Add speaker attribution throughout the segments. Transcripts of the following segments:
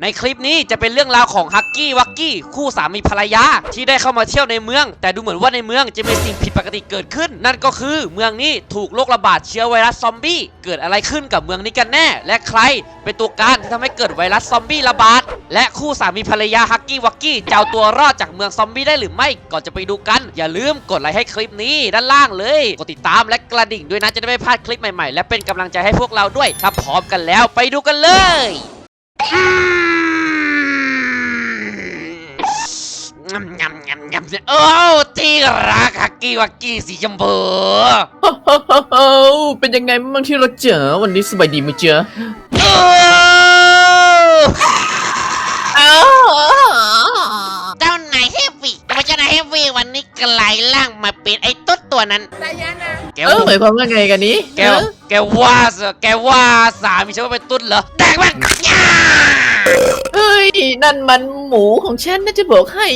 Speaker 1: ในคลิปนี้จะเป็นเรื่องราวของฮักกี้วักกี้คู่สามีภรรยาที่ได้เข้ามาเที่ยวในเมืองแต่ดูเหมือนว่าในเมืองจะมีสิ่งผิดปกติเกิดขึ้นนั่นก็คือเมืองนี้ถูกโรคระบาดเชื้อไวรัสซอมบี้เกิดอะไรขึ้นกับเมืองนี้กันแน่และใครเป็นตัวการที่ทำให้เกิดไวรัสซอมบี้ระบาดและคู่สามีภรรยาฮักกี้วักกี้จะเอาตัวรอดจากเมืองซอมบี้ได้หรือไม่ก่อนจะไปดูกันอย่าลืมกดไลค์ให้คลิปนี้ด้านล่างเลยกดติดตามและกระดิ่งด้วยนะจะได้ไม่พลาดคลิปใหม่ๆและเป็นกำลังใจให้พวกเราด้วยถ้าพร้อมกันแล้วไปดูกันเลยโอ้ที่รักฮักกี้วักกี้สีชมพู
Speaker 2: เป็นยังไงบ้างที่เราเจอวันนี้สบายดีไหมเจอ
Speaker 1: เจ้านายเฮฟวี่เจ้านายเฮฟวี่วันนี้กลายร่างมาเป็นไอ้ตุ๊ดตัวนั้น
Speaker 2: หมายความว่าไงกันนี้
Speaker 1: แกว่าสามีฉันว่าเป็นตุ๊ดเหรอแตกมัน
Speaker 2: เฮ้ยนั่นมันหมูของฉันน่าจะบอกให้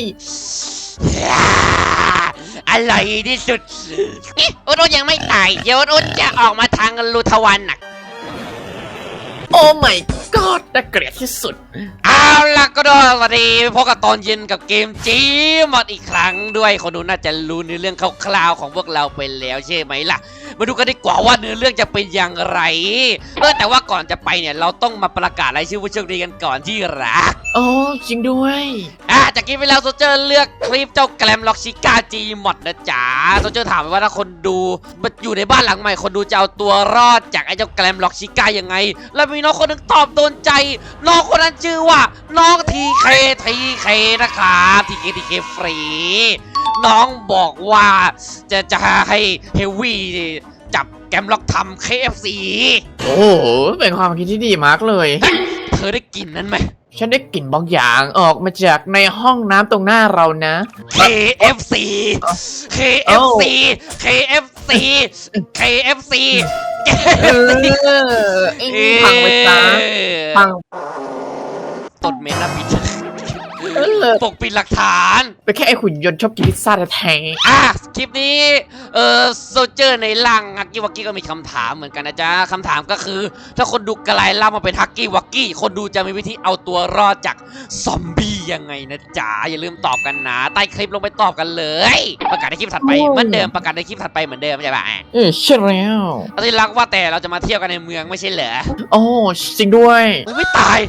Speaker 1: อร่อยที่สุดอุดยังไม่ตายเดี๋ยวอุดจะออกมาทางลูทวันน่ะ
Speaker 2: โอ้ my god น่าเกลียดที่สุด
Speaker 1: เอาล่ะก็ด้วยสวัสดีพบกับตอนเย็นกับเกมจีมอดอีกครั้งด้วยคนดูน่าจะรู้ในเรื่องคร่าวๆของพวกเราไปแล้วใช่ไหมล่ะมาดูกันดีกว่าว่าเนื้อเรื่องจะเป็นอย่างไรแต่ว่าก่อนจะไปเนี่ยเราต้องมาประกาศรายชื่อผู้โชคดีกันก่อนที่รัก
Speaker 2: โอ้จริงด้วย
Speaker 1: จากกี้ไปแล้วโซเจอร์เลือกคลิปเจ้าแกลมล็อกชิก้าจีมอดนะจ๊ะโซเจอร์ถามว่าถ้าคนดูอยู่ในบ้านหลังใหม่คนดูจะเอาตัวรอดจากไอ้เจ้าแกลมล็อกชิก้ายังไงแล้วมีน้องคนนึงตอบโดนใจน้องคนนั้นชื่อว่าน้องทีเคนะครับทีเคฟรีน้องบอกว่าจะให้เฮฟวี่จับแกมล็อกทำ KFC
Speaker 2: โอ้โหเป็นความคิดที่ดีมากเลย
Speaker 1: เธอได้กลิ่นนั้นไหม
Speaker 2: ฉันได้กลิ่นบางอย่างออกมาจากในห้องน้ำตรงหน้าเรานะ
Speaker 1: KFC
Speaker 2: พังไปซะพัง
Speaker 1: ตดเมนนะปิดปกปิดหลักฐาน
Speaker 2: ไปแค่ไอหุ่นยนต์ชอบกินพิซซ่าแท้
Speaker 1: คลิปนี้โซเจอร์ในร่างฮักกี้วักกี้ก็มีคำถามเหมือนกันนะจ๊ะคำถามก็คือถ้าคนดูกลายร่างมาเป็นฮักกี้วักกี้คนดูจะมีวิธีเอาตัวรอดจากซอมบี้ยังไงนะจ๊ะอย่าลืมตอบกันนะใต้คลิปลงไปตอบกันเลยประกาศในคลิปถัดไปเหมือนเดิมประกาศในคลิปถัดไปเหมือนเดิมใช่ปะ
Speaker 2: ใช่แล้ว
Speaker 1: ที่รักว่าแต่เราจะมาเที่ยวกันในเมืองไม่ใช่เหรอ
Speaker 2: โอ้จริงด้วย
Speaker 1: ไม่ตาย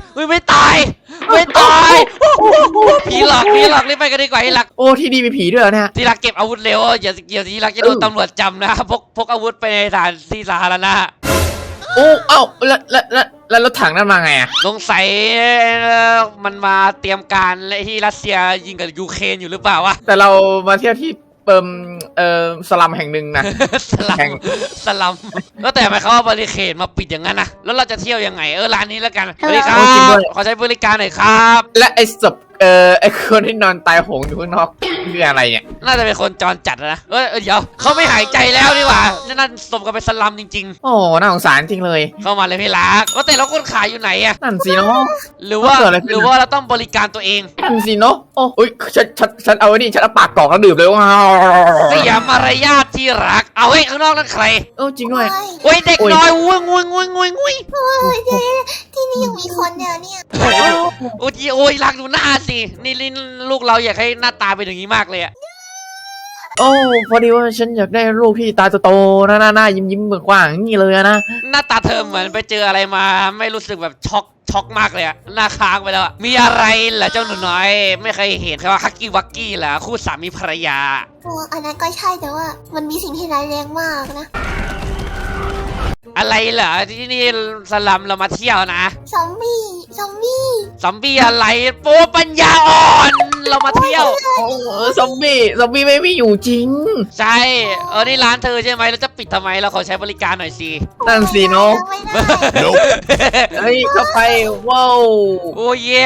Speaker 1: ผีหลอกรีบไปกันดีกว่าที่รัก
Speaker 2: โอ้ที่ดีมีผีด้วยนะ
Speaker 1: ที่รักเก็บอาวุธเร็วอย่าที่รักจะโดนตำรวจจำนะพกอาวุธไปในสถานที่สาธารณะ
Speaker 2: โอ้เอ้าแล้วรถถังนั่นมาไงอะ
Speaker 1: สงสัยมันมาเตรียมการที่รัสเซียยิงกับยูเครนอยู่หรือเปล่าวะ
Speaker 2: แต่เรามาเที่ยวที่สลัมแห่งหนึ่งนะ
Speaker 1: สลัมแล้วแต่หมายความว่าบริเขตมาปิดอย่างนั้นนะแล้วเราจะเที่ยวยังไงร้านนี้แล้วกันสวัสดีครับขอใช้บริการหน่อยครับ
Speaker 2: และไอ้ศพไอ้คนที่นอนตายโหงอยู่ข้างนอกคืออะไรเนี่ย
Speaker 1: น่าจะเป็นคนจรจัดนะเดี๋ยวเขาไม่หายใจแล้วดีกว่านั่นสมกับเป็นสลัมจริง
Speaker 2: ๆโอ้น่าสงสารจริงเลย
Speaker 1: เข้ามาเลยพี่รักแต่เราคนขายอยู่ไหนอะ
Speaker 2: นั่นสิเนาะ
Speaker 1: หรือว่าเราต้องบริการตัวเอง
Speaker 2: นั่นสิเนาะโอ้ยฉันเอานี่ฉันเอาปากกรอกแล้วดื่มเลยว้าว
Speaker 1: เสียมารยาทที่รักเอาไว้ข้างนอกนั่นใคร
Speaker 2: จริงด้วย
Speaker 1: โอ้ยเด็กน้อยงุ้ย
Speaker 3: ที่นี่ยังมีคนเนี่ย
Speaker 1: โอ้ยรักดูหน้าสินี่ลูกเราอยากให้หน้าตาเป็นอย่างนี้มากเลยอะ
Speaker 2: โอ้พอดีว่าฉันอยากได้ลูกที่ตาโตๆหน้ายิ้มเบิกกว้างอย่างนี้เลยนะ
Speaker 1: หน้าตาเธอเหมือนไปเจออะไรมาไม่รู้สึกแบบช็อกมากเลยอะหน้าค้างไปแล้วมีอะไรเหรอเจ้าหนูน้อยไม่เคยเห็นว่าฮักกี้วักกี้เหรอคู่สามีภรรยา
Speaker 3: อันนั้นก็ใช่แต่ว่ามันมีสิ่งที่ร้ายแรงมากนะ
Speaker 1: อะไรเหรอที่นี่สลัมเรามาเที่ยวนะ
Speaker 3: ซอมบี้
Speaker 1: อะไรโป๊ปัญญาอ่อนเรามาเที่ยว
Speaker 2: ซอมบี้ไม่มีอยู่จริง
Speaker 1: ใช่นี่ร้านเธอใช่ไหมเราจะปิดทำไมเราขอใช้บริการหน่อยสิ
Speaker 2: นั่นสิเนาะเฮ้ยเข้าไปว้าว
Speaker 1: โอ้เย่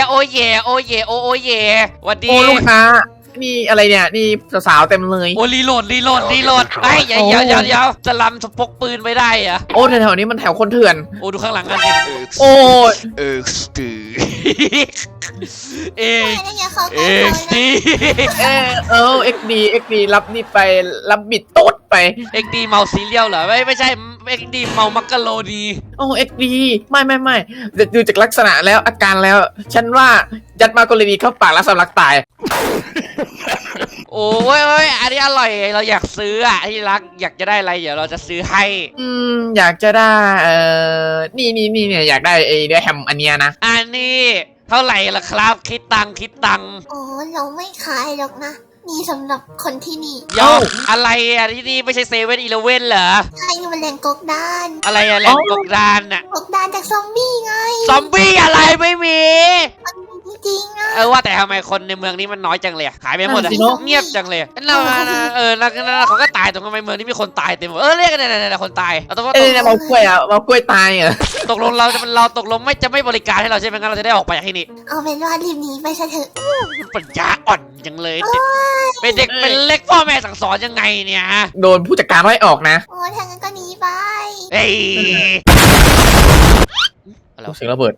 Speaker 1: วันดี
Speaker 2: ลูกค้านี่อะไรเนี่ยนี่สาวเต็มเลย
Speaker 1: โอ้รีโหลดไอ้เดี๋ยวจะลำพกปืนไปได้อะ
Speaker 2: โอ้แถวนี้มันแถวคนเถื่อน
Speaker 1: โอ้ดูข้างหลังกันสิ
Speaker 2: โอ้
Speaker 1: เ
Speaker 2: อ็กดีรับนี่ไปรับบิดตุ๊ดไป
Speaker 1: เอ็กดีเมาซีเรียลเหรอไม่ใช่เอ็กดีเมามักกะโรนี
Speaker 2: โอ้เอ็กดีไม่ดูจากลักษณะแล้วอาการแล้ว ฉันว่ายัดมากรณีเข้าปากแล้วสำลักตาย
Speaker 1: โอ้ยอันนี้อร่อยเราอยากซื้ออ่ะที่รักอยากจะได้อะไรเดี๋ยวเราจะซื้อให้
Speaker 2: อยากจะได้นี่เนี่ยอยากได้ไอ้เนื้อแฮมอันเนี้ยนะ
Speaker 1: อันนี้เท่าไหร่ล่ะครับคิดตังค์
Speaker 3: โอ้เราไม่ขายหรอกนะมีสำหรับคนที่นี่
Speaker 1: ยอมอะไรอ่ะที่นี่ไม่ใช่เซเว่นอีเลฟเว่นเหรอ
Speaker 3: ใช่มันแรงกกดาน
Speaker 1: อะไรอะแหล่งกบดานอ่ะ
Speaker 3: กกดานจากซอมบี้ไง
Speaker 1: ซอมบี้อะไรไม่มี
Speaker 3: มันมีจริงๆนะ
Speaker 1: ว่าแต่ทำไมคนในเมืองนี้มันน้อยจังเลยอะขายไปหมดอะ
Speaker 2: นั่นสิเนอะ
Speaker 1: เงียบจังเลยเราเขาก็ตายตรงทำไมเมืองนี้มีคนตายเต็มหมดเรียกกันเนี่ยคนตายเราต้องว่า
Speaker 2: เอ้ยเนี่ยเมากล้วยเมากล้วยตายเหรอ
Speaker 1: ตกลงเราตกลงจะไม่บริการให้เราใช่ไหมงั้นเราจะได้ออกไปจากที่นี่
Speaker 3: เอาเป็นว่ารีบหนีไปซะเถอะ
Speaker 1: ปัญญาอ่อนจังเลยเป็นเด็กเป็นเล็กพ่อแม่สั่งสอนยังไงเนี่ยฮะ
Speaker 2: โดนผู้จัดการไล่ออกนะ
Speaker 3: โอ้ทางนั้นก็หนีไป
Speaker 1: เฮ้ย
Speaker 2: เสียงระเบิด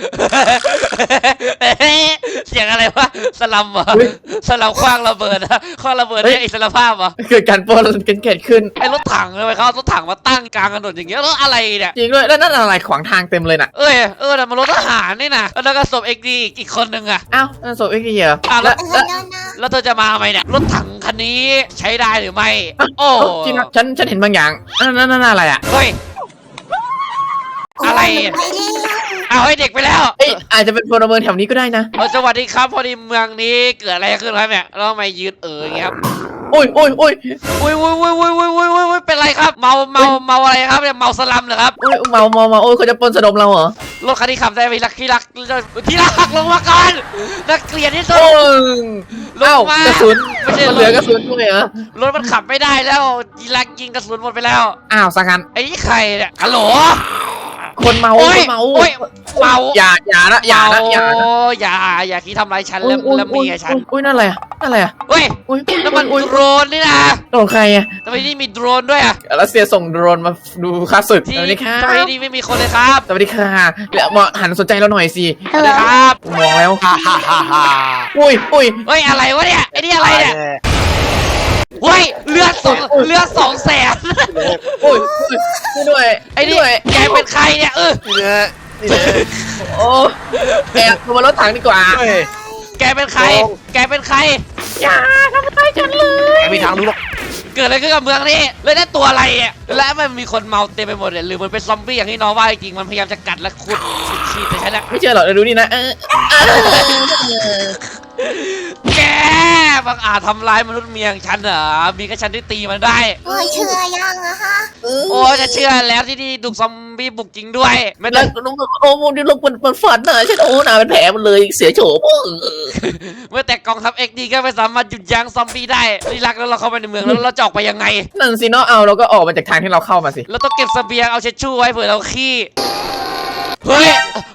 Speaker 1: เสียงอะไรวะสลัมเหรอ
Speaker 2: อุ๊ย
Speaker 1: สลัมคว้างระเบิดอะคว้างระเบิดเนี่ยอิสรภาพเหรอ
Speaker 2: เกิดการปล้นกันเกิดขึ้น
Speaker 1: ไอ้รถถังเลยเขาเอารถถังมาตั้งกลางถนนอย่างเงี้ยรถอะไรเนี่ย
Speaker 2: จริงด้วยแล้วนั่นอะไรขวางทางเต็มเลยน่ะ
Speaker 1: แต่มันรถทหารนี่นะแล้วก็ศพเอ็กดีอีกคนนึงอะ
Speaker 2: อ้าวนั่นศพเอ็กซ์เหรอ
Speaker 1: อ้าวแล้ว
Speaker 2: แล้ว
Speaker 3: นั่นนะ
Speaker 1: แล้วเธอจะมาทำไมเนี่ยรถถังคันนี้ใช้ได้หรือไม่ โอ้
Speaker 2: จริงนะฉันเห็นบางอย่างนั่นอะไรอ่ะ
Speaker 1: เฮ้ย อะไรอะ
Speaker 3: ไปเร็ว
Speaker 1: เอาให้เด็กไปแล้ว
Speaker 2: เอ้ยอาจจะเป็นพลเมืองแถวนี้ก็ได้นะ
Speaker 1: สวัสดีครับพอดีเมืองนี้เกิดอะไรขึ้นครับเนี่ยแล้วทำไมยืนอย่างเงี้ยครับ
Speaker 2: โอ้ย
Speaker 1: อุ้ยเป็นไรครับเมาอะไรครับเนี่ยเมาสลัมเหรอครับ
Speaker 2: โอ้ยเมาโอ้ยเขาจะปล้นสะดมเราเหรอ
Speaker 1: รถคันที่ขับได้ไปที่รักลงมาก่อนนักเกลียดที่สุด
Speaker 2: โอ้ย
Speaker 1: ลง
Speaker 2: เอ้า
Speaker 1: มา
Speaker 2: กระสุน
Speaker 1: ไม่ใช่
Speaker 2: มันเหลือกระสุนด้วยเหรอ
Speaker 1: รถมันขับไม่ได้แล้วยีรักยิงกระสุนหมดไปแล้ว
Speaker 2: อ้าวสังกัน
Speaker 1: ไอ้นี่ใครเนี่ยฮัลโหล
Speaker 2: คนเมา
Speaker 1: โอ้ย
Speaker 2: คนเมา
Speaker 1: โอ้ยเมา
Speaker 2: อย่านะอย่า
Speaker 1: อย่าคิดทำร้ายฉันแล้วเมียฉัน
Speaker 2: อุ้ยนั่นอะไรอ่ะนั่นอะไรอ่ะ
Speaker 1: เฮ้ย
Speaker 2: อุ้ย
Speaker 1: นั่นมันโดรนนี่นะ
Speaker 2: โดนใครอ่ะ
Speaker 1: ทำไมนี่มีโดรนด้วยอะ
Speaker 2: รัสเซียส่งโดรนมาดูค่าศึก
Speaker 1: ที่
Speaker 2: สวัสดีค่ะ
Speaker 1: ทำไมนี่ไม่มีคนเลยครับ
Speaker 2: สวัสดีค่ะแล้วมาหันสนใจเราหน่อยสิ
Speaker 1: สวัสดีครับ
Speaker 2: มองแล้ว อุ้ย
Speaker 1: เฮ้ยอะไรวะเนี่ยไอ้นี่อะไรเนี่ยเฮ้ยเลือด200,000
Speaker 2: อุ้ยช่วยด้วย
Speaker 1: ไอ้นี่
Speaker 2: ด้วย
Speaker 1: แกเป็นใครเนี่ย
Speaker 2: โอ้แอบลงมารถถังดีกว่า
Speaker 1: แกเป็นใคร
Speaker 2: อย่าทำร้ายฉันเลย
Speaker 4: ไม่มีทางรู้หรอก
Speaker 1: เกิดอะไรขึ้นกับเมืองนี้แล้วนั่นตัวอะไรอ่ะและมันมีคนเมาเต็มไปหมดเลยหรือมันเป็นซอมบี้อย่างที่น้องว่าจริงมันพยายามจะกัดและขุดฉีดแต่ฉันอะ
Speaker 2: ไม่เชื่อหรอกเดี๋ยวดูนี่นะ
Speaker 1: แกบังอาจทำร้ายมนุษย์เมียงฉันเหรอมีแค่ฉันที่ตีมันได้
Speaker 3: โอ้ยเชื่อยังอะฮะ
Speaker 1: โอ้จะเชื่อแล้วที่นี่ถูกซอมบี้บุกจริงด้วยไม่
Speaker 2: แล้
Speaker 1: ต้
Speaker 2: ว
Speaker 1: อง
Speaker 2: น้องโอ้โหนี่ลงมันฝันนะฉันโอ้หนาเป็นแผลมันเลยเสียโฉม
Speaker 1: เมื่อแต่กองทัพเอ็กดีก็ไม่สามารถหยุดยั้งซอมบี้ได้นี่รักแล้วเราเข้าไปในเมืองแล้วเราจะออกไปยังไง
Speaker 2: นั่นสิเนาะเอาเราก็ออกมาจากทางที่เราเข้ามาสิ
Speaker 1: เราต้องเก็บเสบียงเอาเช็ดชู่ไว้เผื่อเราขี้เฮ้ย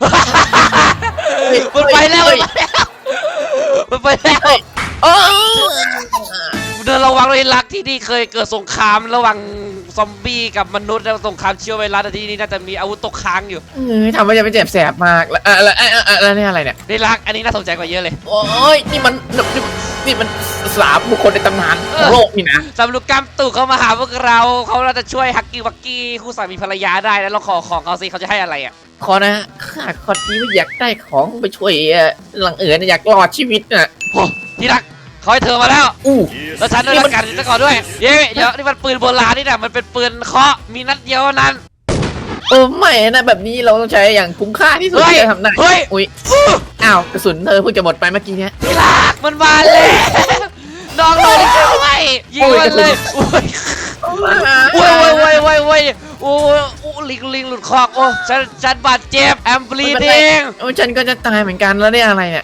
Speaker 1: มันไปแล้วมันไปแล้ว
Speaker 2: โอ้
Speaker 1: เดินระวังเลยรักที่นี่เคยเกิดสงครามระหว่างซอมบี้กับมนุษย์แล้วสงครามเชื้อไวรัสที่นี่น่าจะมีอาวุธตกค้างอยู่
Speaker 2: ทำให้จะไม่เจ็บแสบมากแล้วนี่อะไรเนี่ย
Speaker 1: ได้รักอันนี้น่าสนใจกว่าเยอะเลย
Speaker 2: โอ้ยนี่มันสามบุคคลในตำนานของโลกนี่นะ
Speaker 1: สำรุปกรรมตู่เขามาหาพวกเราเขาน่าจะช่วยฮักกี้วักกี้คู่สามีภรรยาได้แล้วเราขอของเขาสิเขาจะให้อะไรอ่ะ
Speaker 2: ขอนะข้าขอที่ว่าอยากได้ของไปช่วยหลังอยากรอดชีวิตน่ะ
Speaker 1: โอ้ที่รักเขาให้เธอมาแล้ว
Speaker 2: อู้
Speaker 1: แล้วฉันด้วยละกันจะก่อนด้วยเดี๋ยวนี่มันปืนโบราณนี่นะมันเป็นปืนเคาะมีนัดเดียวเท่านั้น
Speaker 2: ไม่นะแบบนี้เราต้องใช้อย่างคุ้มค่าที่สุดที่จะทำได้
Speaker 1: เฮ้ย
Speaker 2: อุ้ยอ้าวกระสุนเธอเพิ่งจะหมดไปเมื่อกี้เนี้ย
Speaker 1: ที่รักมันมาเลยน้องเลยช่วยยิงมันเลยโอ้ยโอ้ยโอ้ลิงหลุดคอกโอ้ฉันบาดเจ็บแอมบลีดิง
Speaker 2: โอ้ฉันก็จะตายเหมือนกันแล้วเนี่ยอะไรเนี่ย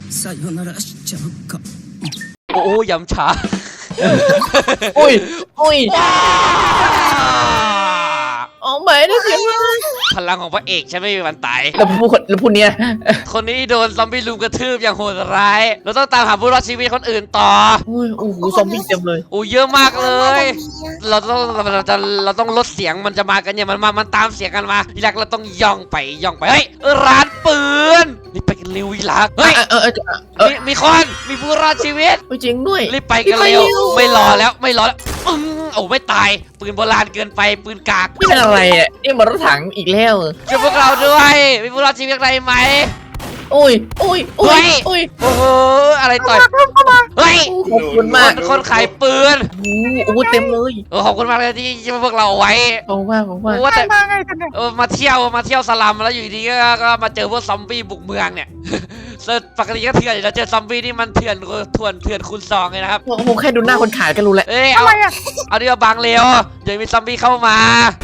Speaker 1: โอ้ยำฉา
Speaker 2: อุ้ยโอ้ไม่นะเสียง
Speaker 1: พลังของพระเอกฉันไม่มีวันตาย
Speaker 2: แล้วพูดเนี้ย
Speaker 1: คนนี้โดนซอมบี้ลุมกระทืบอย่างโหดร้าย เราต้องตามหาผู้รอดชีวิตคนอื่นต่อ
Speaker 2: โอ้โหซอมบี้เต็มเลย
Speaker 1: โอ้เยอะมากเลย เราต้องลดเสียงมันจะมากันเนี่ยมันตามเสียงกันมาอีลักเราต้องย่องไปเฮ้ยร้านปืนรีบไปกันเร็วอีลักเฮ้ยมีคนมีผู้รอดชีวิต
Speaker 2: จริงด้วย
Speaker 1: รีบไปกันเร็วไม่รอแล้วโอ้ไม่ตายปืนโบราณเกินไปปืนกาก
Speaker 2: นี่เป็นอะไรอ่ะนี่มันรถถังอีกแล้ว
Speaker 1: ช่วยพวกเราด้วยมีพวกเราชีวิตอะไรไหม
Speaker 2: อุ้ยอุ้ยอุ้ยอุ้ย
Speaker 1: โอ้โหอะไรต่อยเฮ้ย
Speaker 2: ขอบคุณมาก
Speaker 1: คนขายปืน
Speaker 2: โอ้เต็มเลย
Speaker 1: ขอบคุณมากเลยที่ช่วยพวกเราเอาไว้
Speaker 2: ขอบคุณมากขอบคุณมาก
Speaker 1: ว่าแต่
Speaker 4: มาไงกันเนี่ย
Speaker 1: มาเที่ยวสลัมแล้วอยู่ดีก็มาเจอพวกซอมบี้บุกเมืองเนี่ย ปกติก็เถื่อนอยู่แล้วเจอซอมบี้นี่มันเถื่อนคูณ 2เลยนะครับ
Speaker 2: โอ้โหแค่ดูหน้าคนขายก็รู้แล้ว
Speaker 1: เอ้ย
Speaker 4: อะไรอ่ะ
Speaker 1: เอาดีกว่าบางเร็วเดี๋ยวมีซอมบี้เข้ามา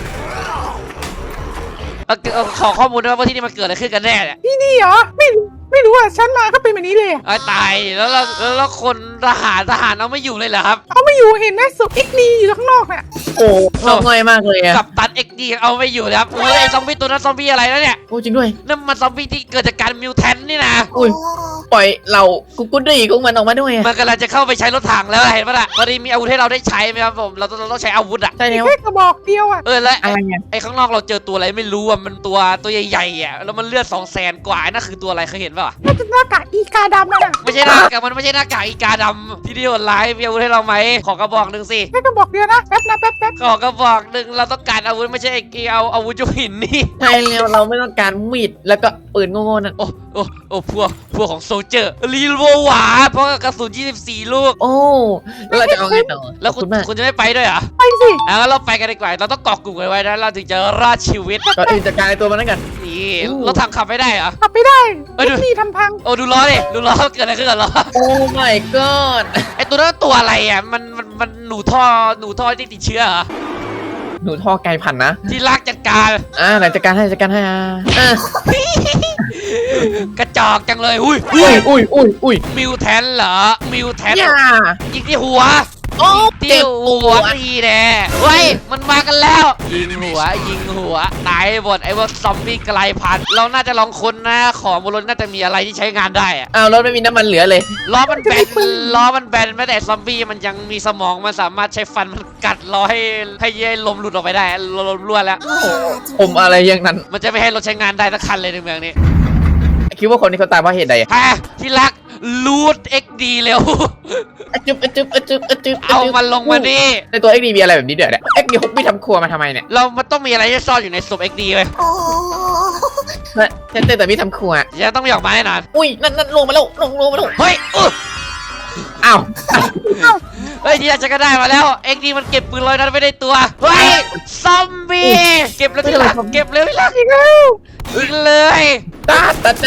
Speaker 1: ขอข้อมูลด้วยว่าที่นี่มันเกิดอะไรขึ้นกันแน่เนี่ย
Speaker 4: ที่นี่เหรอไม่รู้อ่ะฉันมาก็เป็นแบบนี้เลยอะ
Speaker 1: ไอ้ตายแล้วคนทหารเอาไม่อยู่เลยเหรอครับ
Speaker 4: เอาไม่อยู่เห็นไหมสุดเอ็กนีอยู่ข้างนอกน่ะ
Speaker 2: โอ้ง่ายมากเลยอ่ะ
Speaker 1: กับตันเอ็กดีเอาไม่อยู่เลยครับโอ้ยไอ้ซอมบี้ตัวนั้นซอมบี้อะไรแล้วเนี่ย
Speaker 2: โอ้จริงด้วย
Speaker 1: นั่นมันซอมบี้ที่เกิดจากการมิวแทนนี่นะ
Speaker 2: อุ้ยปล่อยเรากุ๊ดดีของมันออกมาด้วย
Speaker 1: มันกำลังจะเข้าไปใช้รถถังแล้วเห็นปะล่ะพอดีมีอาวุธให้เราได้ใช้ไหมครับผมเราต้องใช้อาวุธอ่ะ
Speaker 2: ใช่แล้ว
Speaker 4: แค่กระบอกเดียวอ่ะ
Speaker 1: แล้ว
Speaker 2: อะไรเนี่ย
Speaker 1: ไอ้ข้างนอกเราเจอตัวอะไรไม่รู้อ่ะมันตัวใหญ่ๆอ่ะแล้วมันเลือด200,000 กว่านั่นคือตัวอะไรเคยเห็นปะวะ
Speaker 4: น่าจะหน้ากากอีกาดำน่ะ
Speaker 1: ไม่ใช่หน้ากากมันไม่ใช่หน้ากากอีกาดำที่นี่โหดร้ายมีอาวุธให้เราไหมขอกระบอกหนึ่งสิ
Speaker 4: แค่กระบอกเดียวนะแป๊บ
Speaker 1: ขอกระบอกหนึ่งเราต้องการอาวุธไม่ใช่ไอ้เอาอาวุธยุคหินนี่
Speaker 2: ใช่แล้วเราไม่ต้องการมีดแล้วก็ปืนโง่ๆนั่น
Speaker 1: โอ้พวกของโซลเจอร์รีโวหวาเพราะกระสุน24 ลูก
Speaker 2: โอ้แล้วเราจะเอาไงต่อ
Speaker 1: แล้ว
Speaker 2: ขอบคุณมาก
Speaker 1: คุณจะไม่ไปด้วยเหรอ
Speaker 4: ไปสิ
Speaker 1: งั้นเราไปกันดีกว่าเราต้องเกาะกลุ่มกันไว้นะเราถึงจะรอดชีวิต
Speaker 2: ก่อนอื่นจัดการไอ้ตัวมันนั่นกัน
Speaker 1: นี่
Speaker 2: อู้
Speaker 1: รถถังขับไม่ได้เหรอ
Speaker 4: ขับไม่ได้
Speaker 1: เอ้ย
Speaker 4: เอ็กนีทำพัง
Speaker 1: โอ้ดูล้อดิดูล้อเกิดอะไรขึ้นกับล้อ
Speaker 2: โอ้ my god
Speaker 1: ไอตัวนั้นตัวอะไรอ่ะมันหนูท่อที่ติดเชื้อเหรอ
Speaker 2: หนูท่อไกลพันธุ์นะ
Speaker 1: ที่ลากจัดการ
Speaker 2: ไหนจัดการให้อ่ะ
Speaker 1: กระจอกจังเลยอุ้ย
Speaker 2: อุ้ย
Speaker 1: มิวแทนเหรอมิวแทน
Speaker 2: อย่า
Speaker 1: ยิงที่หัว
Speaker 2: โอ้
Speaker 1: ที่
Speaker 2: เจ็บ
Speaker 1: หัวทีแน่เฮ้ยมันมากันแล้ว ยิงหัวตายหมดไอ้พวกซอมบี้ไกลพันธุ์เราน่าจะลองค้นนะของบนรถน่าจะมีอะไรที่ใช้งานได้อะ
Speaker 2: อ้าวรถไม่มีน้ำมันเหลือเลย
Speaker 1: ล้อมันแบนแม้แต่ซอมบี้มันยังมีสมองมันสามารถใช้ฟันมันกัดล้อให้ลมหลุดออกไปได้ลมรั่วแล้ว
Speaker 2: ผมอะไรอย่างนั้น
Speaker 1: มันจะไม่ให้รถใช้งานได้สักคันเลยในเมืองนี้
Speaker 2: คิดว่าคนนี้เขาตายเพราะเหตุใด
Speaker 1: ฮะที่รักลูด XD เร็ว
Speaker 2: อะจึ๊บ
Speaker 1: เอามันลงมาดิ
Speaker 2: ในตัว XD มีอะไรแบบนี้เดี๋ยวเนี่ย XD ฮุบไม่ทำครัวมาทำไมเนี่ย
Speaker 1: มันต้องมีอะไรที่ซ่อนอยู่ในศพ XD เลย
Speaker 3: โอ้
Speaker 2: ฉันเจอแต่พี่ทำครัว
Speaker 1: จะต้องมีออกมาแน่นอน
Speaker 2: อุ้ยนั่นลงมาแล้วลงมาแล้ว
Speaker 1: เฮ้ย
Speaker 2: อ้าว
Speaker 1: เฮ้ยที่รักจะก็ได้มาแล้ว XD มันเก็บปืนลอยนั้นไว้ในตัวเฮ้ยซอมบี้เก็บแล้วที่รักเก็บเร็วที่รัก
Speaker 4: อีกแล้ว
Speaker 1: ยิงเลย
Speaker 2: ตา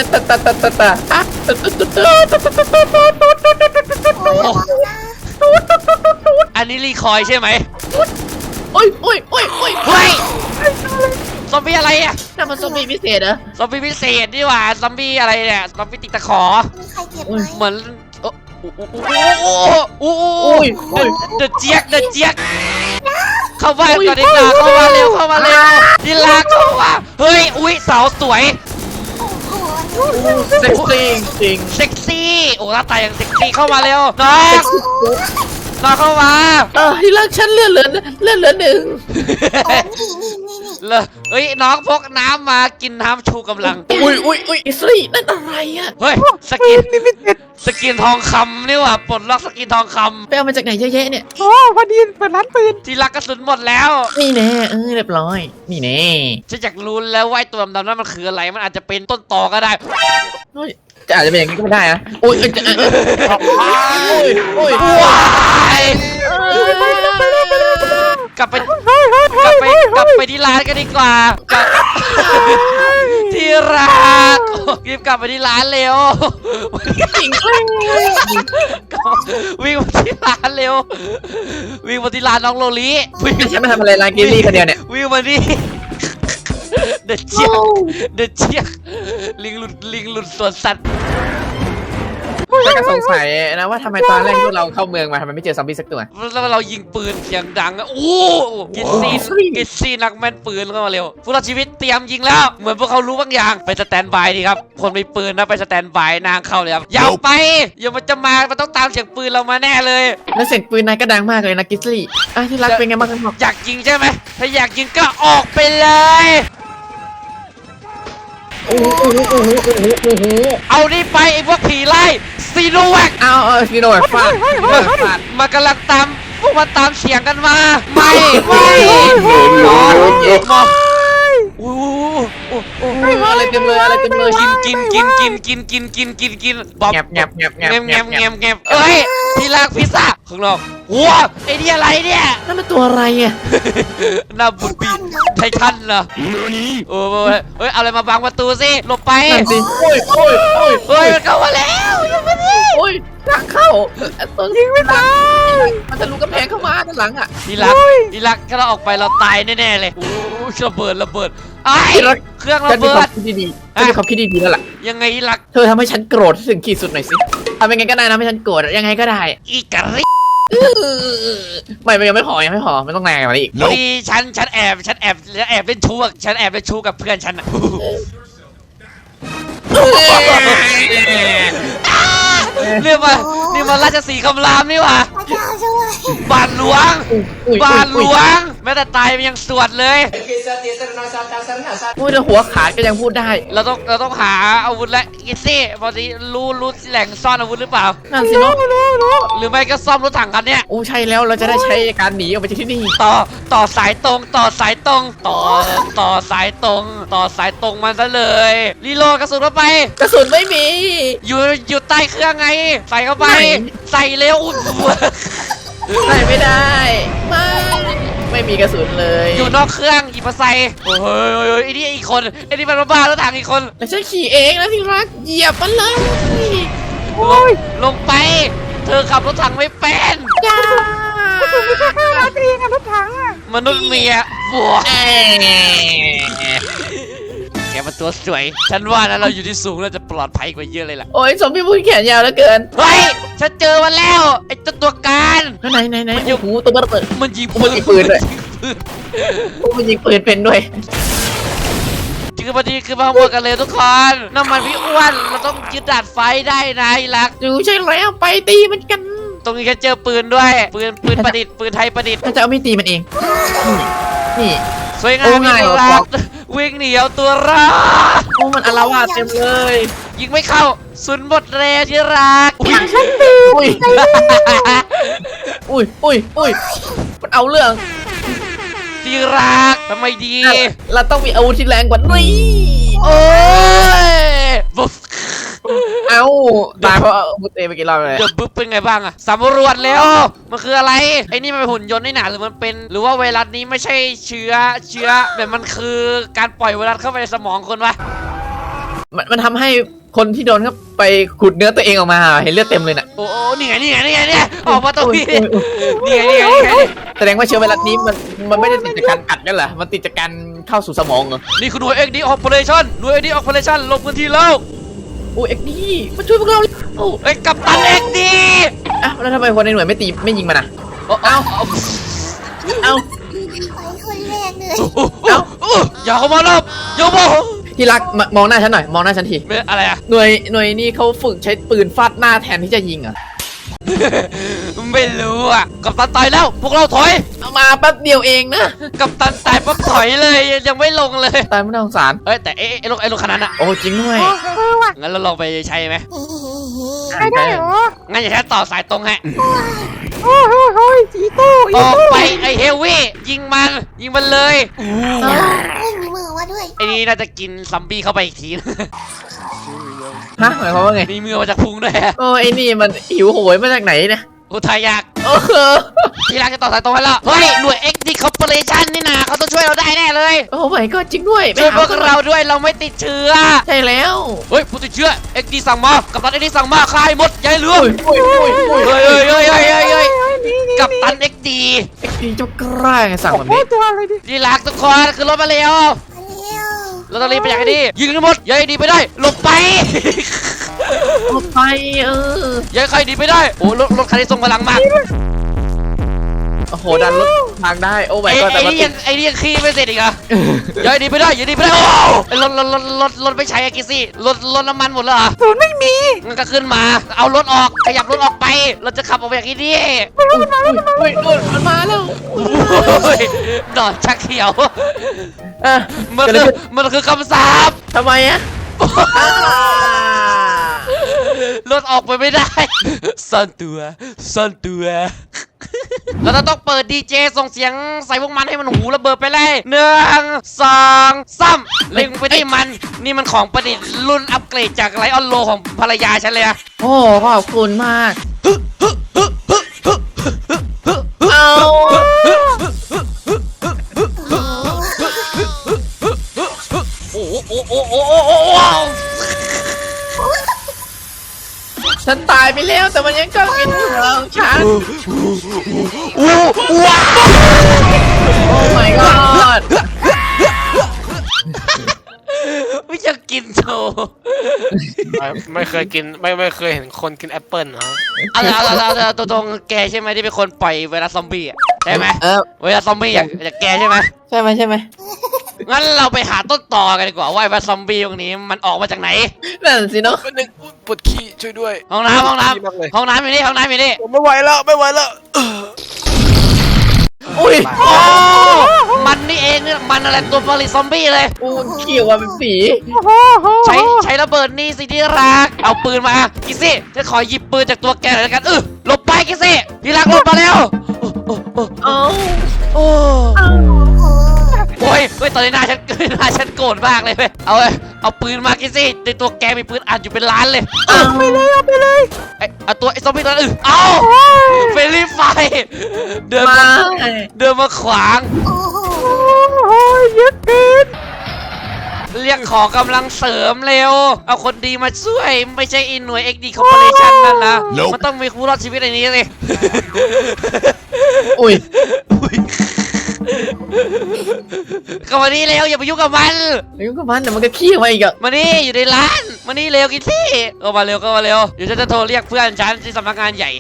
Speaker 1: อันนี้รีคอยใช่ไหม
Speaker 2: โอ้ย
Speaker 1: เฮ้ยซอมบี้อะไรอ่ะ
Speaker 2: นั่นมันซอมบี้พิเศษเหรอ
Speaker 1: ซอมบี้พิเศษนี่หว่าซอมบี้อะไรเนี่ยซอมบี้ติดตะขอ
Speaker 3: มีใครเก็บไหม
Speaker 1: เหมือนเดอะเจี๊ยกเข้าบ้านก่อนดีกว่าเข้ามาเร็วที่รักเข้ามาเฮ้ยอุ้ยสาวสวย
Speaker 3: โอ้โห
Speaker 2: เซ็กซี่จริง
Speaker 1: เซ็กซี่โอ้หน้าตายังเซ็กซี่เข้ามาเร็วน้องเข้ามา
Speaker 2: ที่รักฉันเลื่อนเหลือหนึ่ง
Speaker 3: โอ้นี่
Speaker 1: เลยเฮ้ยน้องพกน้ำมากินน้ำชูกำลัง
Speaker 2: อุ้ยอิสรีนั่นอะไรอ่ะ
Speaker 1: เฮ้ยส
Speaker 4: ปื
Speaker 1: กิน
Speaker 4: นลิมิเต็ด
Speaker 1: สกินทองคำนี่หว่าปลดล็อกสกินทองค
Speaker 2: ไปเอามาจากไหนเยอะแยะเนี่ย
Speaker 4: โอ้พอดีเปิดร้านปืน
Speaker 1: ำที่รักกระสุนหมดแล้ว
Speaker 2: นี่แน่เรียบร้อย นี่แน่
Speaker 1: ฉันอยากรู้แล้วว่าไอ้ตัวดำๆนั้นมันคืออะไรมันอาจจะเป็นต้นตอก็ได้
Speaker 2: จะอาจจะเป็นอย่างนี้ก็ไม่ได้อะอุ้ย
Speaker 1: ว้ายกลับไปที่ร้านกันดีกว่ากลับที่รักรีบกลับไปที่ร้านเร็ว
Speaker 2: จริง
Speaker 1: วิ่งมาที่ร้านเร็ววิ่งมาที่ร้านน้องโลลิวิ่ง
Speaker 2: ฉันมาทำอะไรร้านกิลลี่คนเดียวเนี่ย
Speaker 1: วิ่งมาดิเด็ดเชียกลิงหลุดสวนสัตว์
Speaker 2: ฉันก็สงสัยนะว่าทำไมตอนแรกพวกเราเข้าเมืองมาทำไมไม่เจอซอมบี้สักตัว
Speaker 1: แล้วเรายิงปืนเสียงดังอะโอ้กินซีนักแม่นปืนเข้ามาเร็วพวกเราชีวิตเตรียมยิงแล้วเหมือนพวกเขารู้บางอย่างไปสแตนบายดีครับคนมีปืนนะไปสแตนบายนางเข้าเลยครับอย่าไปอย่ามันจะมามันต้องตามเสียงปืนเรามาแน่เลย
Speaker 2: แล้วเสียงปืนนายก็ดังมากเลยนะกิสลี่ที่รักเป็นไงบ้างกันบอก
Speaker 1: อยากยิงใช่ไหมถ้าอยากยิงก็ออกไปเลย
Speaker 2: โอ้โห
Speaker 1: เอานี่ไปไอ้พวกผีไล่ซีโนแวค
Speaker 2: เอาซีโนแวคฟาด
Speaker 1: มากำลังตามพวกมันตามเสียงกันมาไม่หมออู้
Speaker 2: อะไรเต็มเลยอะไรเต็มเลย
Speaker 1: กินบอบ
Speaker 2: แงบแงบแงบแงบ
Speaker 1: แงบเอ้ยที่รักพิซซ่าข้างนอกว้าไอ้นี่อะไรเนี่ย
Speaker 2: นั่นมันตัวอะไรอ่ะ
Speaker 1: หน้าบุญบีไททันเหรอโอ้ยเฮ้ยเอาอะไรมาบังประตูสิหลบไป
Speaker 2: นั่นสิโอ้ย
Speaker 1: เฮ้ยมันเข้ามาแล้วยังไม่ได้
Speaker 2: โอ้ยทางเข้าตัวยิงไม่ตายมันทะลุกำแพงเข้ามาด้านหลังอ่ะ
Speaker 1: ที่รักถ้าเราออกไปเราตายแน่ๆเลยโอ้ระเบิดไอ้เครื่องระ
Speaker 2: ฉันมี
Speaker 1: เบิ
Speaker 2: ความ
Speaker 1: ด
Speaker 2: คิดดีๆฉันมีความคิดดีๆแล้วล่ะ
Speaker 1: ยังไงที่รัก
Speaker 2: เธอทำให้ฉันโกรธถึงขีดสุดหน่อยสิทำยังไงก็ได้นะให้ฉันโกรธยังไงก็ได้
Speaker 1: อีกะริ
Speaker 2: ไม่ยังไม่พอไม่ต้องแรงกว่านี้อีก
Speaker 1: พอดีฉันแอบเล่นชู้กับเพื่อนฉันอะนี่มันราชสีห์คำรามนี่หว่า
Speaker 3: พระเจ้าช่วย
Speaker 1: บาทหลวงแม้แต่ตายมันยังสวดเลย
Speaker 2: พูดแต่หัวขาดก็ยังพูดได้
Speaker 1: เราต้องหาอาวุธและกิซี่พอดีรู้แหล่งซ่อนอาวุธหรือเปล่า
Speaker 2: นั่นสิเนาะ
Speaker 1: หรือไม่ก็ซ่อมรถถังกันเนี่ย
Speaker 2: โอ้ใช่แล้วเราจะได้ใช้การหนีออกไปจากที่นี่
Speaker 1: ต่อสายตรงต่อสายตรงมันซะเลยรีโหลดกระสุนเข้าไป
Speaker 2: กระสุนไม่มี
Speaker 1: อยู่ใต้เครื่องไง ใส่เข้าไป ใส่เร็ว
Speaker 2: ใส่ไม่ได้ไม่มีกระสุนเลย
Speaker 1: อยู่นอกเครื่องหยิบมาใส่โอ้ยไอ้นี่อีกคนไอ้นี่มันบ้าแล้วทางอีกคน
Speaker 2: แล้วฉันขี่เองนะที่รักเหยียบมันเลย
Speaker 1: ลงไป เธอขับรถถังไม่เป็น
Speaker 2: จ้า
Speaker 4: ไม่ใช่ข้าวราตรีไงรถถังอ่ะ
Speaker 1: มนุษย์เมียบัวแกมันตัวสวย ฉันว่านะเราอยู่ที่สูงเราจะปลอดภัยกว่าเยอะเลยล่ะ
Speaker 2: โอ้ยสมพี่พูดแขนยาวเหลือเกิน
Speaker 1: เฮ้ยฉันเจอมันแล้วไอ้ตัวการ
Speaker 2: ไหนโอ้โหตัวเปิด
Speaker 1: มันยิง
Speaker 2: มันยิงปืนด้วย
Speaker 1: ปืน
Speaker 2: มันยิงปืนเป็นด้วย
Speaker 1: คือพอดีคือมาหมดกันเลยทุกคนน้ำมันพี่อ้วนเราต้องยึดดาดไฟได้นะไอ้รัก
Speaker 2: อยู่ใช่แล้วไปตีมันกัน
Speaker 1: ตรงนี้แค่เจอปืนด้วย ปืนประดิษฐ์ปืนไทยประดิษฐ์
Speaker 2: ถ้าจะเอาไม่ตีมันเองนี่
Speaker 1: สวยงาม
Speaker 2: โอ้
Speaker 1: มี
Speaker 2: ง่าย
Speaker 1: ตัว
Speaker 2: เหรอ
Speaker 1: รักวิ่งหนีเอาตัวรอด
Speaker 2: โอ้มันอารวาสเต็มเลย
Speaker 1: ยิงไม่เข้าสุนหมดแรงที่รัก
Speaker 2: อุ้ยมันเอาเรื่อง
Speaker 1: ที่รักทำไมดี
Speaker 2: เราต้องมีอาวุธที่แรงกว่านี้
Speaker 1: โอ้ยบุ๊บ
Speaker 2: เอาตายเพราะอาวุธเองไปกี่รอบเลย
Speaker 1: เดี๋ยวบุ๊บเป็นไงบ้างอะสำรวจแล้วมันคืออะไรไอ้นี่มันเป็นหุ่นยนต์นี่หนาหรือมันเป็น หรือว่าไวรัสนี้ไม่ใช่เชื้อแบบมันคือการปล่อยไวรัสเข้าไปในสมองคนวะ
Speaker 2: มันทำให้คนที่โดนเข้าไปขุดเนื้อตัวเองออกมาเห็นเลือดเต็มเลยน่ะ
Speaker 1: โอ้นี่ไงออกมาตรงนี้นี่ไง
Speaker 2: แสดงว่าเชื้อไวรัสนี้มันไม่ได้ติดจากการกัดกันเหรอมันติดจากการเข้าสู่สมองเหรอ
Speaker 1: นี่คือหน่วย XD Operation หน่วย XD Operation ลงพื้นที่แล้ว
Speaker 2: โอ้เอ็กดีมาช่วยพวกเราโอ้
Speaker 1: เอ้ยกัปตัน XD
Speaker 2: อ้าวแล้วทำไมคนในหน่วยไม่ยิงมันอ่ะ
Speaker 1: เอ้า
Speaker 2: เอา
Speaker 3: ไปคนแรกเลย
Speaker 1: อย่าเข้ามาลบอย่าบอก
Speaker 2: ที่รักมองหน้าฉันหน่อยมองหน้าฉันที
Speaker 1: อะไรอะ
Speaker 2: หน่วยนี่เขาฝึกใช้ปืนฟาดหน้าแทนที่จะยิงเหรอ
Speaker 1: ไม่รู้อ่ะกัปตันตายแล้วพวกเราถอย
Speaker 2: เอามาแป๊บเดียวเองนะ
Speaker 1: กัปตันตายปั๊บถอยเลยยังไม่ลงเลย
Speaker 2: ตายไม่น่าสงสาร
Speaker 1: เอ้ยแต่ไอ้รถคันนั้นอะ
Speaker 2: โอ้จริงด้วย
Speaker 4: ว่ะ
Speaker 1: งั้นเราลองไปใช้ไหม
Speaker 4: ไม่ได้เหรอ
Speaker 1: งั้นอย่าแค่ต่อสายตรงให้
Speaker 4: โอ้ยจีโต้
Speaker 1: ออกไปไอ้เฮฟวี่ยิงมันเลย
Speaker 3: ไม่มีมือมาด้วย
Speaker 1: ไอ้นี่น่าจะกินซัมบี้เข้าไปอีกที
Speaker 2: ฮะหมายความว่าไง
Speaker 1: มีมือมาจากพุงด้วย
Speaker 2: โอ้ไอ้นี่มันหิวโหยมาจากไหนเนี่ย
Speaker 1: อุทายาก
Speaker 2: โอ้โห
Speaker 1: ที่รักจะต่อสายตรงให้แล้วเฮ้ยหน่วย XD Corporation นี่นะเขาต้องช่วยเราได้แน่เลย
Speaker 2: โอ้ไม่ก็จริงด้วยไป
Speaker 1: ช่วย
Speaker 2: หา
Speaker 1: พวกเราด้วยเราไม่ติดเชื้อ
Speaker 2: ใช่แล้ว
Speaker 1: เฮ้ยผู้ติดเชื้อ XD สั่งมากัปตัน XD สั่งมาฆ่าให้หมดอย่าให้เหลือ
Speaker 2: โอ้ย
Speaker 1: เฮ้ยกัปตัน XD
Speaker 2: ไอ้พี่เจ้ากล้าไงสั่งแบบ
Speaker 4: โอ้
Speaker 2: นี้
Speaker 4: ตัวอะไรดิ
Speaker 1: ที่รักทุกคนคือรถมาเร็ว
Speaker 3: มาเร็ว
Speaker 1: เราต้องรีบไปอย่างนี้ยิงให้หมดอย่าให้ดีไปได้หลบไป
Speaker 2: ออกไป
Speaker 1: อย่าให้ใครดีไปได้โอ้รถคันนี้ทรงพลังมาก
Speaker 2: โอ้โหดันรถทางได้โอ้ไม่ก็แต่
Speaker 1: ไอ้
Speaker 2: ว่า
Speaker 1: นี่ยังขี้ไม่เสร็จอีกเหรออย่าให้ดีไปได้อย่าดีไปได้โอ้รถไม่ใช้อะกิซี่รถน้ำมันหมดแล้วเหรอ
Speaker 4: ศูนย์ไม่มี
Speaker 1: งั้นก็ขึ้นมาเอารถออกขยับรถออกไปเราจะขับออกไปอย่างนี้ดิ
Speaker 2: เฮ้ยมันมาแล้ว
Speaker 1: โอ้ยดอดชักเขียว
Speaker 2: อ่ะ
Speaker 1: มันคือคำสาป
Speaker 2: ทำไมอะ
Speaker 1: รถออกไปไม่ได้ซ่อนตัวเราจะต้องเปิดดีเจส่งเสียงใส่พวกมันให้มันหูระเบิดไปเลย1 2 3เล็งไปที่มันนี่มันของประดิษฐ์รุ่นอัปเกรดจากไลออนโลของภรรยาฉันเลยอะ
Speaker 2: โอ้ขอบคุณมากเอา
Speaker 1: โอ้โอ้โอ้โอ้โอ้โอ้
Speaker 2: ฉันตายไปแล้วแต่มันยังก็กินหัวของฉัน
Speaker 1: ว้าว
Speaker 2: โอ้ my god
Speaker 1: ไม่จะกินโชว์
Speaker 5: ไม่เคยกินไม่เคยเห็นคนกินแอปเปิลนะ
Speaker 1: เอาตัวตรงแกใช่ไหมที่เป็นคนปล่อยไวรัสซอมบี้อะใช่ไหมไวรัสซอมบี้อยากแกใช่ไหม
Speaker 2: ใช่ไหม
Speaker 1: งั้นเราไปหาต้นตอกันดีกว่าว่าไวรัสซอมบี้ตรงนี้มันออกมาจากไหน
Speaker 2: นั่นสิเนาะ
Speaker 5: คนหนึ่งปวดขี้ช่วยด้วย
Speaker 1: ห้องน้ำ
Speaker 5: ดีมากเลย
Speaker 1: ห้องน้ำอยู่นี่ห้องน้ำอยู่นี่
Speaker 5: ผมไม่ไหวแล้วไม่ไหวแล้ว
Speaker 2: อุ้ย
Speaker 1: โอ้มันนี่เองเนี่ยมันอะไรตัวผลิตซอมบี้เลย
Speaker 2: อูนเขียวว่าเป็นสี
Speaker 1: ใช้ระเบิดนี่สิที่รักเอาปืนมากิซี่จะขอหยิบปืนจากตัวแกหน่อยแล้วกันหลบไปกิซี่ที่รักหลบมาแล้ว
Speaker 2: เอา
Speaker 1: โอ้
Speaker 3: โอ้
Speaker 1: โอ้ยตอนนี้หน้าฉันโกรธมากเลยเว้ยเอาปืนมากิซี่ในตัวแกมีปืนอัดอยู่เป็นล้านเลย
Speaker 2: เอาไปเลย
Speaker 1: เอาตัวไอ้ซอมบี้ตัวนั้นเอาเฟรนลี่ไฟเดินมาขวาง
Speaker 3: โอ้โห
Speaker 4: ยึดติด
Speaker 1: เรียกขอกำลังเสริมเร็วเอาคนดีมาช่วยไม่ใช่อินหน่วย XD Corporation นั่นนะมันต้องมีผู้รอดชีวิตในนี้สิ
Speaker 2: อุ้ย
Speaker 1: ก็มานี่เร็วอย่าไปยุ่งกับมัน
Speaker 2: ไอ้ยุ่งกับมันเดี๋ยวมันก็ขี้ออกมาอีกอะ
Speaker 1: มานี่อยู่ในร้านมานี่เร็วกินที่ก็มาเร็วเดี๋ยวฉันจะโทรเรียกเพื่อนฉันที่สำนักงานใหญ่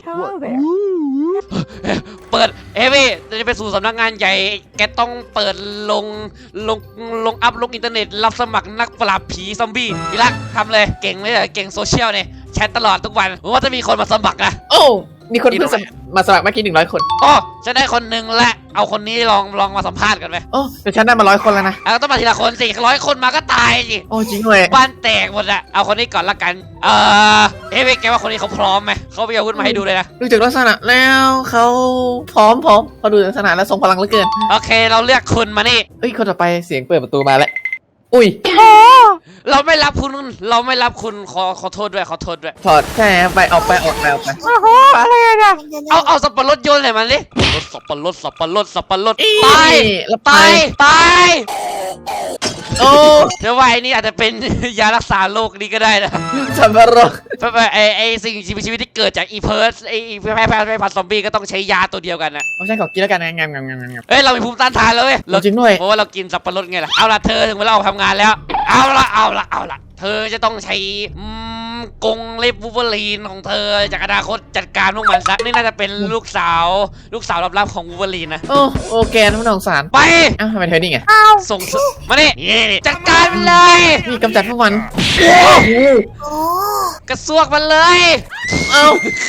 Speaker 1: เปิดพี่จะไปสู่สำนักงานใหญ่แกต้องเปิดลงอัพลงอินเทอร์เน็ตรับสมัครนักปราบผีซอมบี้พี่รักทำเลยเก่งเลยเก่งโซเชียลเนี่ยแชทตลอดทุกวันว่าจะมีคนมาสมัครอะ
Speaker 2: โอ้มีคนเพิ่งมาสมัครเมื่อกี้100 คน
Speaker 1: อ๋อฉันได้คนหนึ่งและเอาคนนี้ลองมาสัมภาษณ์กันไหม
Speaker 2: โอ้แต่ฉันได้มา100 คนแล้วนะ
Speaker 1: เอาต้องมาทีละคนสิ100 คนมาก็ตายสิ
Speaker 2: โอ้จริงเลย
Speaker 1: บ้านแตกหมดอะเอาคนนี้ก่อนละกันแกว่าคนนี้เขาพร้อมไหมเขาไปเอาอาวุธมาให้ดูเลยนะ
Speaker 2: ดูจากลักษณะแล้วเขาพร้อมเขาดูจากลักษณะแล้วทรงพลังเหลือเกิน
Speaker 1: โอเคเราเลือกคุณมานี่
Speaker 2: เอ้ยคนต่อไปเสียงเปิดประตูมาแล้วอุ้ย
Speaker 1: เราไม่รับคุณขอโทษด้วย
Speaker 2: ถอดแค่ไปออกไป
Speaker 4: โอ้โหอะไรเนี่ย
Speaker 1: เอาสับปะรดโยนเลยมันดิสับปะรด
Speaker 2: อี
Speaker 1: ตาย
Speaker 2: แล้ว
Speaker 1: ตาย
Speaker 2: โอ้
Speaker 1: เดี๋ยวว่าไอ้นี่อาจจะเป็น ยารักษาโรคนี้ก็ได้นะ
Speaker 2: สับปะรด
Speaker 1: ไอ้สิ่งมีชีวิตที่เกิดจากอีเพิร์สไอ้แพร่พันธุ์ซอมบี้ก็ต้องใช้ยาตัวเดียวกันนะ
Speaker 2: เอาฉันขอกินแล้วกันงาม
Speaker 1: เอ้ยเรามีภูมิต้านทานแล้วเว้ย
Speaker 2: จริงด้วย
Speaker 1: เพราะว่าเรากินสับปะรดไงล่ะเอาล่ะเธอถึงเวลาออกทำงานแล้วเอาละเธอจะต้องใช้กรงเล็บวูเวอรีนของเธอจากอนาคตจัดการพวกมันซะนี่น่าจะเป็นลูกสาวลับๆของวูเวอรีนนะ
Speaker 2: โอเคท่านผู้สงสาร
Speaker 1: ไป
Speaker 2: อ้าวทำไมเธอนี่ไง
Speaker 1: ส่งมานี่จัดการมันเลย
Speaker 2: นี่กำจัดพวกมัน
Speaker 3: โอ้
Speaker 1: กระซวกมันเลย
Speaker 2: เอา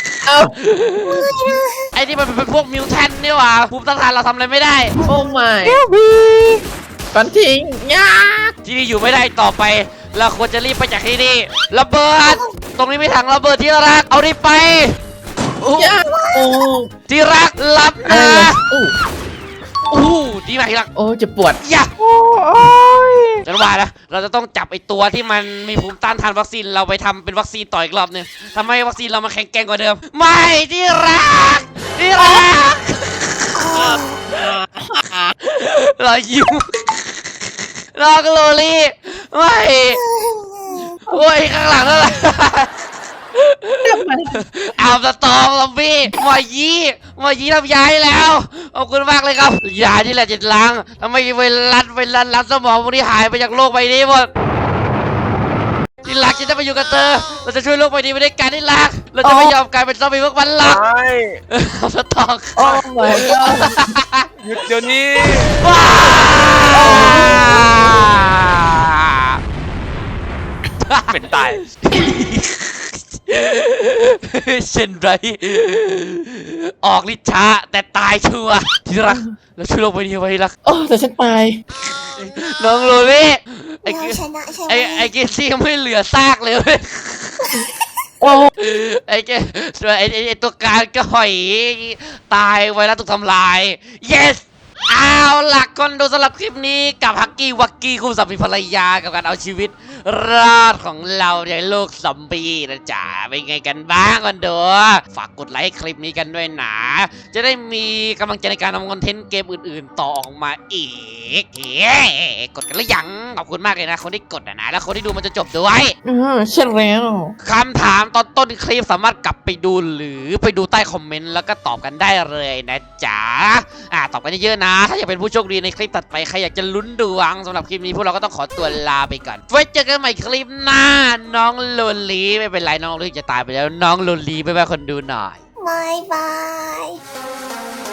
Speaker 1: ไอ้นี่มันเป็นพวกมิวแทนนี่หว่าภูมิต้านทานเราทำอะไรไม่ได้
Speaker 2: โอ้ไม่
Speaker 4: เอลบี
Speaker 2: ก่อนทิ้งยาก
Speaker 1: ที่นี่อยู่ไม่ได้ต่อไปเราควรจะรีบไปจากที่นี่ระเบิดตรงนี้ไม่ถังระเบิดที่รักเอาดิไป
Speaker 2: ยากโอ้
Speaker 1: ที่รักรับ
Speaker 2: อะไร
Speaker 1: นะ
Speaker 2: เลยโอ้
Speaker 1: ดีมากที่รัก
Speaker 2: โอ้จะปวด
Speaker 1: อย่า
Speaker 4: โอ้ย
Speaker 1: ฉันว่านะเราจะต้องจับไอ้ตัวที่มันมีภูมิต้านทานวัคซีนเราไปทำเป็นวัคซีนต่ออีกรอบนึงทำให้วัคซีนเรามาแข็งแกร่งกว่าเดิมไม่ที่รักเรายิ้มรอกโลลี่ไม่โอ้ยข้างหลังนั่นแหละเอาสตองซอมบี้มายีทำยาให้แล้วขอบคุณมากเลยครับยาที่แหละจะล้างทำไมไวรัสสมองพวกนี้หายไปจากโลกใบนี้หมดที่รักจะได้ไปอยู่กับเธอเราจะช่วยโลกใบนี้ไปด้วยกันที่รักเราจะไม่ยอมกลายเป็นซอมบี้พวกมันหรอก
Speaker 5: ใช่
Speaker 1: เอาสตอง
Speaker 2: โอ้ my god
Speaker 5: หยุดเดี๋ยวนี้
Speaker 1: ว้าเป็นตาย เช่นไรออกฤทธิ์ช้าแต่ตายชัวร์ที่รักเราช่วยโลกใบนี้ไว้ที่รัก
Speaker 2: โอ้แต่ฉันตาย
Speaker 1: น้องโรลี่ไอ้
Speaker 3: เราชนะใช่ไหม
Speaker 1: ไอ้เกซี่ยังไม่เหลือซากเลยเว้ย
Speaker 2: โอ้
Speaker 1: ไอ้แกไอ้ตัวการก็หอยตายไวรัสถูกทำลาย yes เอาล่ะคนดูสำหรับคลิปนี้กับฮักกี้วักกี้คู่สามีภรรยากับการเอาชีวิตรอดของเราในโลกซอมบี้นะจ๊ะเป็นไงกันบ้างคนดูฝากกดไลค์คลิปนี้กันด้วยนะจะได้มีกำลังใจในการทำคอนเทนต์เกมอื่นๆ ต่อออกมาอีกกดกันหรือยังขอบคุณมากเลยนะคนที่กดนะแล้วคนที่ดูมันจะจบด้วย
Speaker 2: ใช่แล้ว
Speaker 1: คำถามตอนต้นคลิปสามารถกลับไปดูหรือไปดูใต้คอมเมนต์แล้วก็ตอบกันได้เลยนะจ๊ะตอบกันเยอะๆนะถ้าอยากเป็นผู้โชคดีในคลิปถัดไปใครอยากจะลุ้นดวงสำหรับคลิปนี้พวกเราก็ต้องขอตัวลาไปก่อนไว้เจอกันใหม่คลิปหน้าน้องโลลีไม่เป็นไรน้องโลลีจะตายไปแล้วน้องโลลีบ๊ายบายคนดูหน่อย
Speaker 3: บายบาย